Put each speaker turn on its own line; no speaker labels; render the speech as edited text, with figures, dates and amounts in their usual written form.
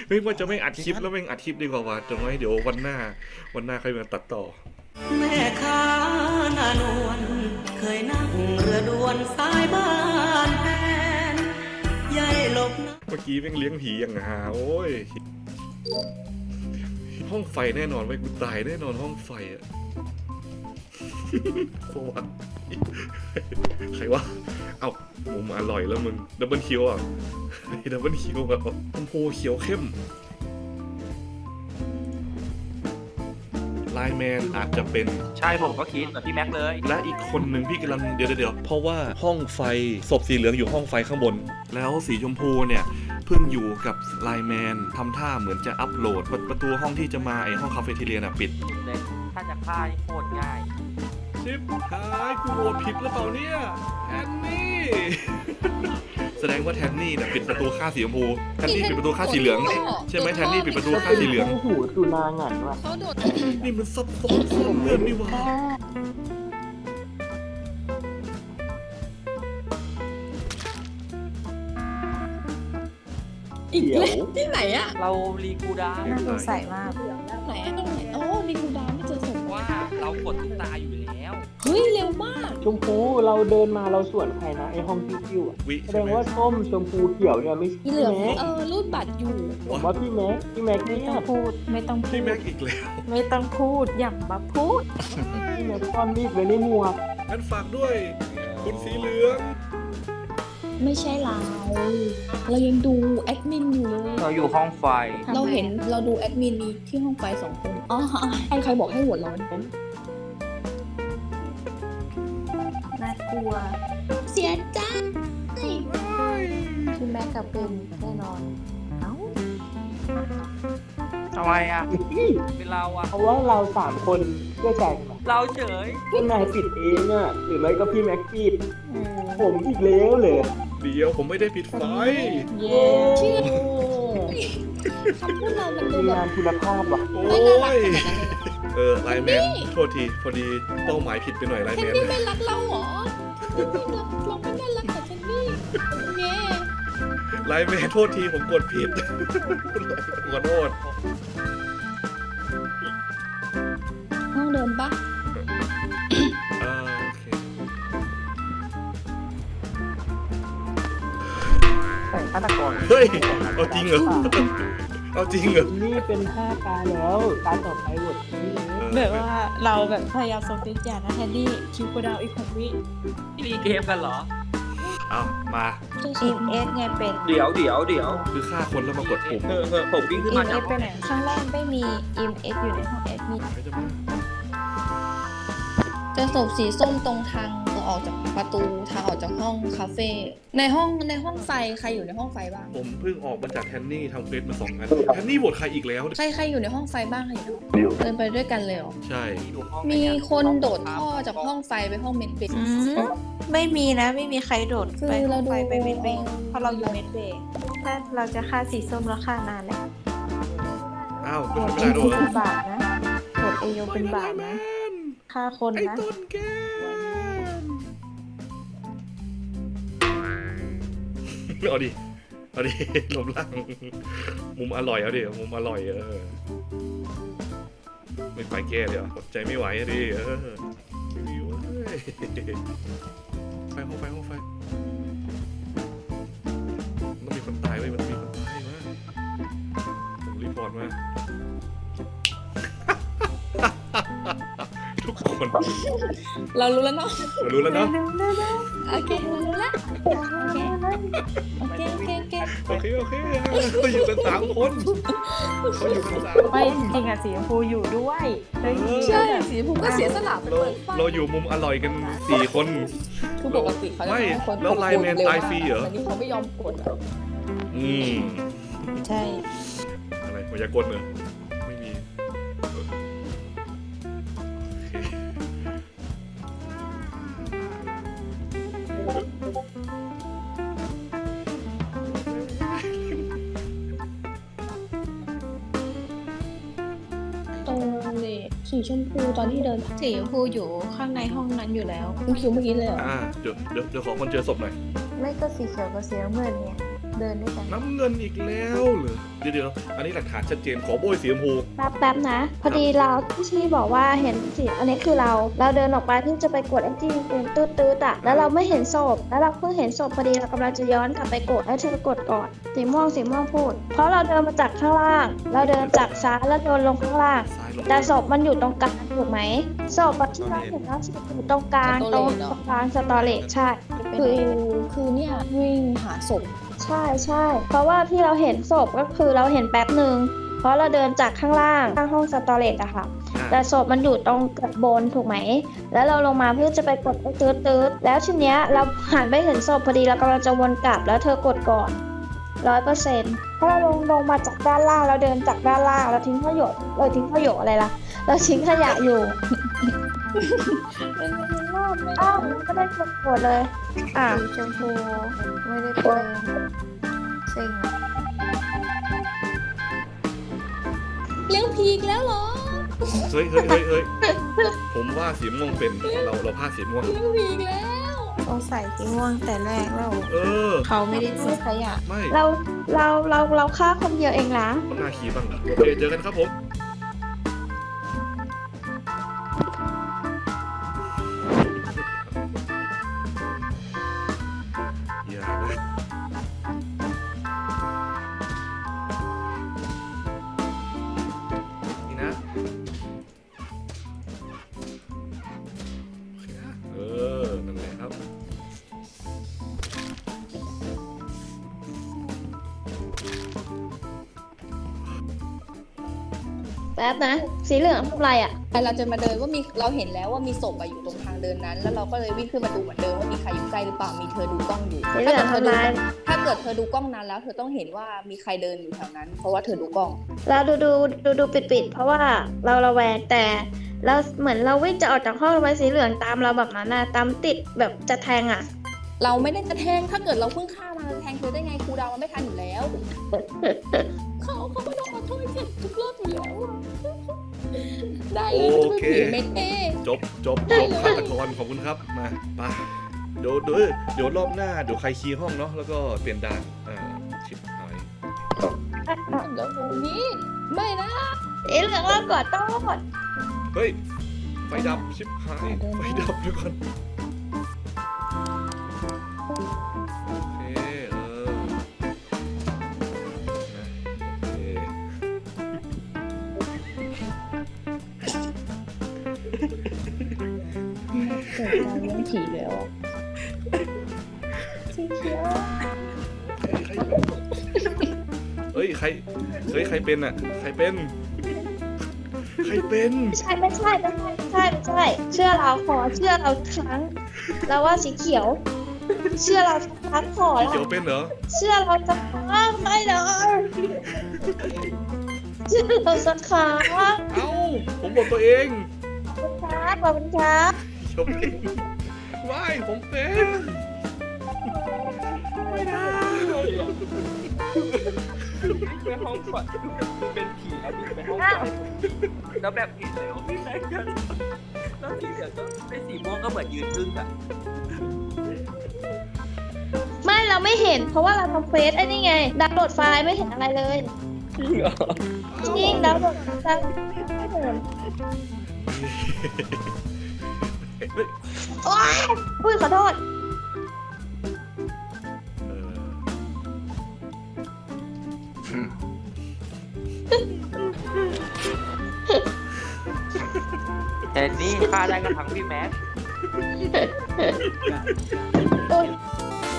ไม่ว่าจะไม่อัดคลิปแล้วไม่อัดคลิปดีกว่าว่ะจนไว้เดี๋ยววันหน้าค่อยมาตัดต่อ
แม่ค้าหน้านวลเคยนั่งเรือด่วนสายบ้านแฟนยายหลบนะ
เมื่อกี้แม่งเลี้ยงผีอย่างหาโอ้ยห้องไฟแน่นอนไว้กูตายแน่นอนห้องไฟอะโควะใครวะเอ้ามุมอร่อยแล้วมึงดับเบิลคิวอ่ะดับเบิลคิวแบบชมพูเขียวเข้มไลน์แมนอาจจะเป็น
ใช่ผมก็คิดแบบพี่แม็กเลย
และอีกคนหนึ่งพี่กำลังเดี๋ยวเพราะว่าห้องไฟศพสีเหลืองอยู่ห้องไฟข้างบน แล้วสีชมพูเนี่ยเพิ่งอยู่กับไลน์แมนทำท่าเหมือนจะอัปโหลดประตูห้องที่จะมาไอห้องคาเฟ่ทีเรียน่ะปิด
เลยถ้าจะฆ่านี่โคตรง่าย
ชิบหายกูโหวตผิดหรือเปล่าเนี่ยแทนนี่ แสดงว่าแทนนี่เนี่ยปิดประตูฆ่าสีชมพูแทนนี่ปิดประตูฆ่าสีเหลืองใช่ไหมแทนนี่ปิดประตูฆ่าสีเหลือง
หูสุนางันว่ะ
เขาโดด
นี่มันซับซ้อนซ่อนเงื่อนนี่หว่า
อีกแล้วที่ไหนอะ
เรารีกูดาว
น่าสงสัยมาก
ไหนอะตรงไหนโอ้มีกูดาวไม่เจอศพ
ว่าเรากดตุ๊กตาอยู่แล้ว
เฮ้ยเร็วมาก
ชมพูเราเดินมาเราสวนใครนะไอห้องคิวๆอ่ะ
วิ
แสด
ใช่
ง
ไหม
ว่าส้มชมพูเขียวเนี่ยไม่ใช่
อีเหลือง
แม็ก
รูดบัตรอยู่
ผมว่าพี่แม็ก
ไม่
เนี่ย
ต้องพูด ไม่ต้องพู
พี่
ด
แม็กอีกแล้ว
ไม่ต้องพูด อย่ามาพูด
พี่แม็กซ่อนมีดไว้ในหมวก
งั้นฝากด้วย คุณสีเหลือง
ไม่ใช่เราเรายังดูแอดมินอยู่เลย
เราอยู่ห้องไฟ
เราเห็นเราดูแอดมินมีที่ห้องไฟ2 คนอ๋อใครบอกให้โหวตเรา
น่ากลัว
เสียใจ
พี่แม็กกับเป็นแน่นอน เอ้า
ทำไมอ่ะ เป็นเราอ่ะ
เพราะว่าเรา3 คนเชื่อใจกันปะ
เราเฉย
พี่นายปิดเองอ่ะหรือไม่ก็พี่แม็กปิด
อืม
ผมอีกแล้วเลย
เดี๋ยวผมไม่ได้ปิดไฟ
เย้
เชื่อคำพูดเรามันดู
ทีม
แบ
งา
บ
นคุณภาพว่ะ
โอ้
ไม่น่ารัก
ย
ขนาดนั้นเลย
ไลน์แมนโทษทีพอดีเป้าหมายผิดไปหน่อยไลน์
เคน
แมน
นี่ไม่รักเราเหรอเคนนี่รักเราไม่น่ารักกับเคนนี่เย้
ไลน์แมนโทษทีผมกดผิด ขอโทษ
ห้องเดิมปะ
โอเค
ใส่ฆาตกร
เฮ้ยเอาจริงเหรอเอาจริงเหรอ
นี่เป็น5 ตาแล้วตาต่อไปหมดนี่เลย
แบบว่าเราแบบพยายามส่งติดอย่างนะแทนนี่คิวโกดาวอีก6 วิ
พี่รีเกมกันเหรอ
เอามา
อิมเอสไงเป็น
เดี๋ยว
คือฆ่าคนแล้วมากดปุ่ม
ผมวิ่งขึ้น
อิ
มาม
เอ
จาก
สไปไหนข้างล่างไม่มีอิมเอสอยู่ในห้องแอดมิน
ไม่จะมา
เจะศพสีส้มตรงทางออกจากประตูทางออกจากห้องคาเฟ่ในห้องไฟใครอยู่ในห้องไฟบ้าง
ผมเพิ่งออกมาจากแทนนี่ทำเฟซมา2 งานแทนนี่โหวตใครอีกแล้ว
ใครอยู่ในห้องไฟบ้างใครอยู่เดินไปด้วยกันเลยเหรอ
ใช่
มีคนโดดท่อจากห้องไฟไปห้องเมนเบร
อืมไม่มีนะ ไม่มีใครโดด
คือ
ไปห้
เรา
อง
ดู
ไฟไปเมดเบย์เพราะเราอยู่เมดเบย์ถ้าเราจะฆ่าสีส้มแล้วฆ่านานแล้ว
อ้าว
โห
ไม่
วต
ใช่
เอ
ไม่ได้
โย
ด้วย
เป็นบาปนะโหวตเอโยเป็นบาปนะฆ่าคน
ไอ้
นะ
ต้นแก้มเอาดิเอาดิลมล่างมุมอร่อยเอาดิมุมอร่อยไม่ไปแก้เลยเหรออดใจไม่ไหวอะดิไม่มีเว้ยไฟห้องไฟต้องมีคนตายเว้ยมันต้องมีคนตายมาผมรีพอร์ตมา ทุกคน
เรารู้แล้วเนาะ
เรารู้แล้วเนาะ
โอเคเรารู้แล้วโอเค
โอเคเขาอยู่กัน3 คนเขาอยู่กัน3
ไม่จริงๆอะสีชมพูอยู่ด้วยเฮ้ย
ใช่สีผมก็เสียสละไป
เรา
เปิดไฟ
เราอยู่มุมอร่อยกัน4 คน
คือปกติเขาจะ
ไม่
ให้คน
แล้วไลน์แมนตายฟรีเหรอ
แต่นี่เขาไม่ยอมกดอะ
อืม
ใช่
อะไรมายากลเหรอไม่มีโอเค
ตรงนี้สีชมพูตอนที่เดินสีชมพูอยู่ข้างในห้องนั้นอยู่แล้วคุณคิวเมื่อกี้เลยเหรอ
เดี๋ยวขอคนเจอศพหน่อย
ไม่ก็สีเขียวกับสีน้ำเงินไงเดินด้วยกัน
น้ำเงินอีกแล้วเหรอเดี๋ยวอันนี้หลักฐานชัดเจนขอโบยสีชมพู
แป๊บนะ พอดีเราที่บอกว่าเห็นสีอันนี้คือเราเดินออกไปที่จะไปกดไอ้ที่เป็นตืดๆอ่ะแล้วเราไม่เห็นศพแล้วเราเพิ่งเห็นศพพอดีเรากำลังจะย้อนกลับไปกดให้เธอกดก่อนสีม่วงพูด เพราะเราเดินมาจากข้างล่าง เราเดินจากซ้ายแล้วเดินลงข้างล่าง
ซ้ายลง
แต่ศพมันอยู่ตรงกลางถูกไหมศพอะที่เราเห็นแล้วศพอยู่ตรงกลางตรงกลางสตอเรจใช่
คือเนี่ยวิ่งหาศพ
ใช่เพราะว่าที่เราเห็นศพก็คือเราเห็นแป๊บหนึ่งเพราะเราเดินจากข้างล่างข้างห้องสตอเรจอะค่ะ แต่ศพมันอยู่ตรงบนถูกไหมแล้วเราลงมาเพื่อจะไปกดไอ้ตืดแล้วทีเนี้ยเราหันไปเห็นศพพอดีเรากำลังจะวนกลับแล้วเธอกดก่อน 100%เพราะเราลงมาจากด้านล่างเราเดินจากด้านล่างเราทิ้งขยะอะไรล่ะเราทิ้งขยะอยู่ อ้าวก็ได้กดเลย
สีชมพูไม่ได้เป็นสิ่งเลี้ยงผีอีกแล้วเหรอ
เฮ้ยผมว่าสีม่วงเป็นเราพลาดสีม่วง
เลี้ยงผีอีกแล้ว
สงสัยสีม่วงแต่แรกแล้ว
เออ
เขาไม่ได้ทิ้งขยะ
ไม่
เราฆ่าคนเดียวเองนะ
ต้องหน้าคีบ้างเหรอโอเคเจอกันครับผมอย่านะนี่นะโอเคนะนั่นแหละครับ
แป๊บนะ สีเหลืองทำอะไรอ่ะ
เราจะมาเดินว่ามีเราเห็นแล้วว่ามีศพอะอยู่ตรงทางเดินนั้น แล้วเราก็เลยวิ่งขึ้นมาดูเหมือนเดิมว่ามีใครอยู่ใกล้หรือเปล่ามีเธอดูกล้องอยู่
สีเหลืองทำอะไร
ถ้าเกิดเธอดูกล้องนั้นแล้วเธอต้องเห็นว่ามีใครเดินอยู่แถวนั้น เพราะว่าเธอดูกล้อง
เราดูปิดเพราะว่าเราระแวงแต่เราเหมือนเราวิ่งจะออกจากห้องไว้สีเหลืองตามเราแบบนั้นนะตามติดแบบจะแทงอ่ะ
เราไม่ได้จะแทงถ้าเกิดเราเพิ่งฆ่ามาแทงเธอได้ไงครูดาวมันไม่ทันอยู่แล้ว เขาก็ต้องขอโทษเจ็บทุกรอบอยู่แล้วอะได้เลยมันจะเป็นผีไม่เท่
จบฆาตกรขอบคุณครับมาไปเดี๋ยวรอบหน้าเดี๋ยวใครคีย์ห้องเนาะแล้วก็เปลี่ยนด่านชิบหาย
แล้วตรงนี้ไม่นะ
สีเหลืองเรากดโต้น
เฮ้ยไฟดับชิบหายไฟดับด้วยก่อนโอเคนะโอเค
เกิดการเลี้ยงผีแล้วอะสีเขียว
เฮ้ยใครเป็นอ่ะใครเป็น
ไม่ใช่เชื่อเราขอเชื่อเราครั้งเราว่าสีเขียว เชื่อเราสักครั้งขอ
สี
ละ
เขียวเป็นเหรอ
เชื่อเราสักครั้งไม่เลยเชื่อเราสักครั้ง
เอ้าผมบอกตัวเอง
ขอบคุณครับ
เขียวเป็นไม่ผมเป็นไม่ได้
ไปห้องก่อนเป็นผีแล้ววิ่งไปห้องก่อนแล้วแบบเห็นเลยว่าพี่แซงกันแล้วสีเหลืองก็เป็นสีม่วงก็เหมือนยืนพึ่งอะ
ไม่เราไม่เห็น เพราะว่าเราทำเฟซไอ้นี่ไงดาวน์โหลดไฟล์ไม่เห็นอะไรเลย
จริงเหรอ
จริงดาวน์โหลดไฟล์ไม่เห็นโอ๊ยอุ้ยขอโทษ
แต่นี่ฆ่าได้ก็ทั้งพี่แม็ก
โอ๊ย